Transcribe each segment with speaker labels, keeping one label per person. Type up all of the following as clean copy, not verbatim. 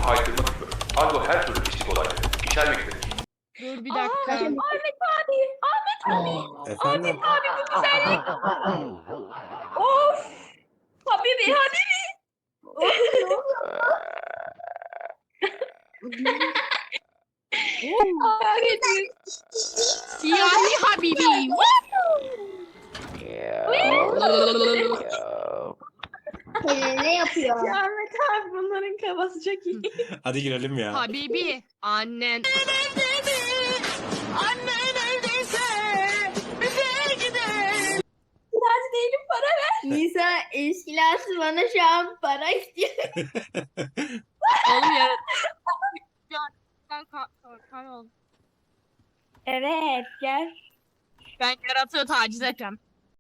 Speaker 1: kaydırma tüpü, argo her türlü pislik olayları içermektedir.
Speaker 2: Dur bir dakika.
Speaker 3: Ahmet abi.
Speaker 4: Efendim?
Speaker 3: Abi bu güzellik. Of. Habibi Habibi.
Speaker 2: Siyahi Habibi.
Speaker 5: Ne yapıyor?
Speaker 3: Ahmet abi bunların kafası çok iyi.
Speaker 4: Hadi girelim ya.
Speaker 2: Habibi. Annen.
Speaker 3: Biraz değilim para ver.
Speaker 5: Nisa eşkilası bana şu an para istiyor.
Speaker 2: Oğlum ya. Kan ol.
Speaker 3: Evet gel.
Speaker 2: Ben yaratığı taciz edeceğim.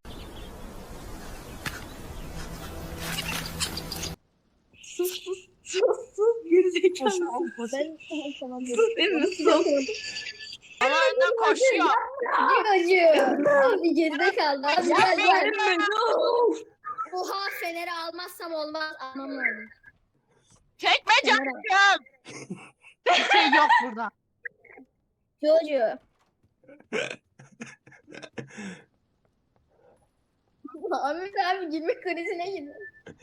Speaker 3: Sus gerizekalı.
Speaker 5: Ben tamam.
Speaker 3: Sus değil mi? Sus.
Speaker 2: Ama önden koşuyor.
Speaker 5: Acı. Abi geride kaldı. Abi gel gel.
Speaker 3: Verme, of.
Speaker 5: Oha feneri almazsam olmaz. Almam lazım.
Speaker 2: Çekme canım. Bir şey yok burada.
Speaker 5: Jojo. Ahmet abi gülme krizine girdi.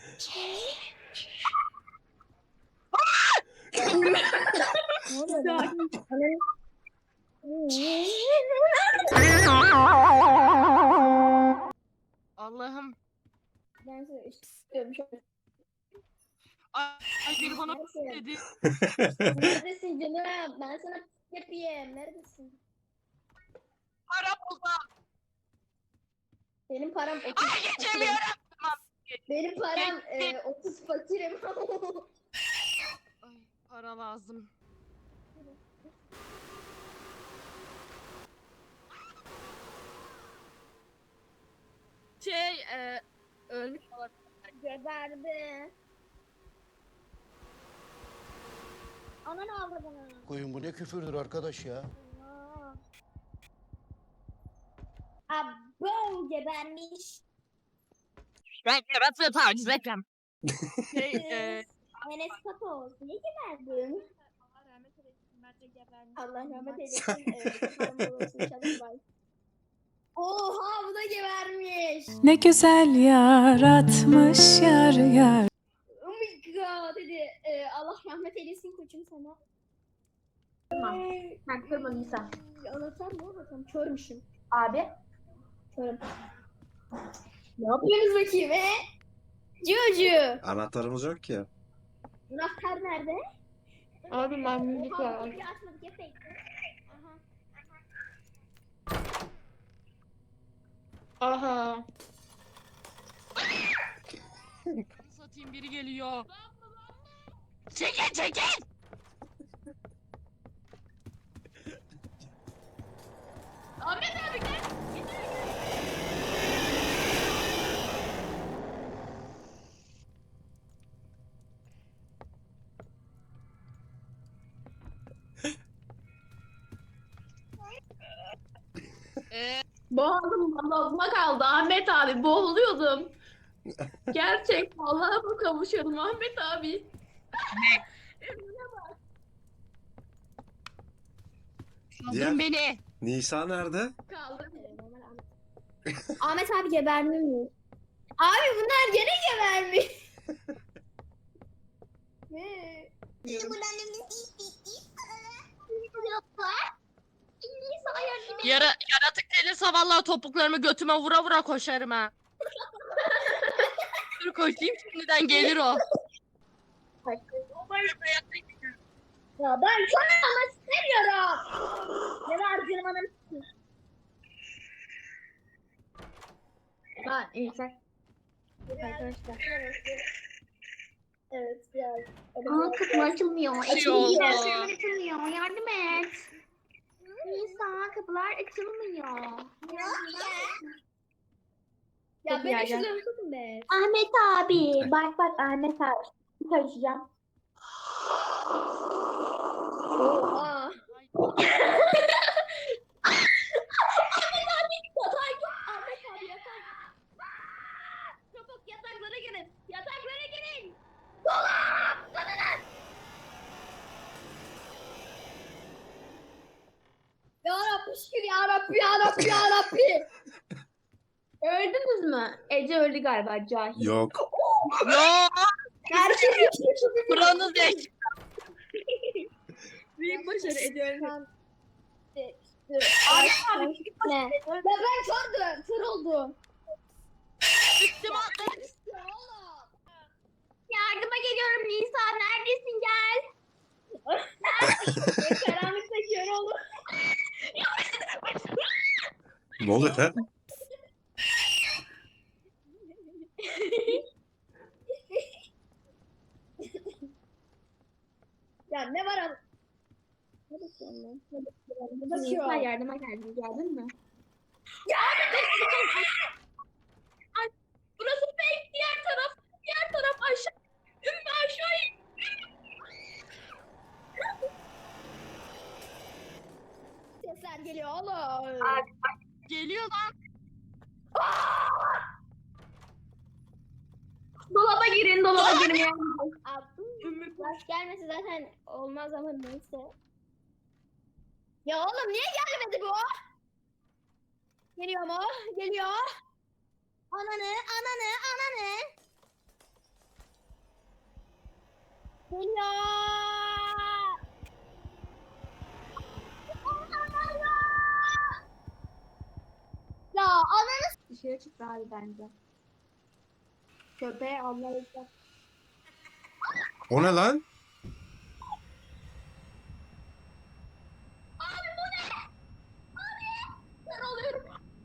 Speaker 2: Allah'ım.
Speaker 5: Ben sana istiyorum.
Speaker 2: Ay biri bana dedi.
Speaker 5: Neredesin canım? Ben sana yapayım. Neredesin?
Speaker 2: Para buldu.
Speaker 5: Benim param 30.
Speaker 2: Ay geçemiyorum.
Speaker 5: Benim param 30 fakirim.
Speaker 2: Ay, para lazım. Ölmüş olabilir.
Speaker 5: Geberdi. Ana ne aldı bana?
Speaker 6: Koyun bu ne küfürdür arkadaş ya.
Speaker 5: Abo gebermiş.
Speaker 2: Ben yaratığı taciz edeceğim.
Speaker 5: Enes Patos. Niye geberdin? Allah rahmet eylesin. Param babası inşallah var. Oha bu da gebermiş.
Speaker 7: Ne güzel yaratmış yar yar.
Speaker 5: Oh my god dedi. Allah rahmet eylesin koçum sana.
Speaker 8: Sen kırma Nisa.
Speaker 5: Anahtar mı bakalım? Körmüşüm.
Speaker 8: Abi.
Speaker 5: Körüm. Ne yapıyorsunuz bakayım Cucu.
Speaker 4: Anahtarımız yok ki.
Speaker 5: Anahtar nerede?
Speaker 8: Abi memnunluk
Speaker 5: Oha
Speaker 8: var.
Speaker 5: kapıyı açmadık ya fake. Aha.
Speaker 8: Aha.
Speaker 2: Satayım biri geliyor. Çekil çekil.
Speaker 3: Ahmet abi gel. Boğazım boğazıma kaldı Ahmet abi. Boğuluyordum. Gerçek Allah'a mı kavuşuyordum Ahmet abi?
Speaker 2: Kaldırın beni.
Speaker 4: Nisa nerede?
Speaker 3: Kaldım.
Speaker 5: Ahmet abi geberdi mi? Abi bunlar gene gebermiş. Ne?
Speaker 2: Yaratık gelirse vallahi topuklarımı götüme vura vura koşarım ha. Dur koşayım şimdiden gelir o.
Speaker 5: Ya ben sana ama istemiyorum. Ne var canım hanım?
Speaker 8: Ha iyi sen.
Speaker 5: Arkadaşlar. Evet biraz.
Speaker 8: Aa kapı açılmıyor.
Speaker 2: Bir şey oldu.
Speaker 8: Açılmıyor. Yardım et. Nisa kapılar açılmıyor.
Speaker 5: Ya ben şunu tutun be.
Speaker 8: Ahmet abi. Bak bak Ahmet abi. Taşıyacağım.
Speaker 5: Oha. Ahmet abi yatak. Çabuk yataklara girin. Yataklara girin.
Speaker 3: Yarabbi yarabbi. Öldünüz mü? Ece öldü galiba cahil.
Speaker 4: Yok.
Speaker 2: Yo
Speaker 3: Herkes
Speaker 2: buranız eş.
Speaker 3: büyük başarı Ece öldü.
Speaker 5: Ahmet
Speaker 3: Abi
Speaker 5: ne? Ben kördüm. Kör oldum.
Speaker 2: Üstüme atlayın.
Speaker 3: yardıma geliyorum Nisa. Neredesin gel. Karanlıkta kör oldum.
Speaker 4: Ne oluyor lan?
Speaker 5: Ya ne var abi?
Speaker 3: Nisa yardıma geldim. Geldin mi? Ay, burası fake. Diğer taraf. Diğer taraf aşağı. Ümmü aşağı in.
Speaker 5: Sesler geliyor oğlum.
Speaker 2: Geliyor lan.
Speaker 3: Dolaba girin. Dolaba girin. Yani.
Speaker 5: Abi, baş gelmesi zaten olmaz ama neyse. Ya oğlum niye gelmedi bu? Geliyor mu? Geliyor. Ananı. Geliyor. Ya ananı
Speaker 3: Dışarı çıktı abi bence. Köpeğe Allah'ı
Speaker 4: O ne lan?
Speaker 3: kör oluyorum.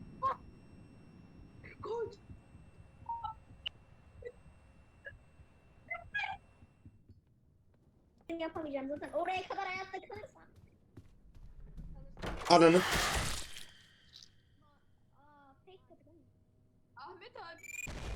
Speaker 3: Koş.
Speaker 5: yapamayacağım zaten. Oraya kadar hayatta kalırsam.
Speaker 4: Ananı.
Speaker 5: Aa, fake kapı değil mi?
Speaker 3: Ahmet abi.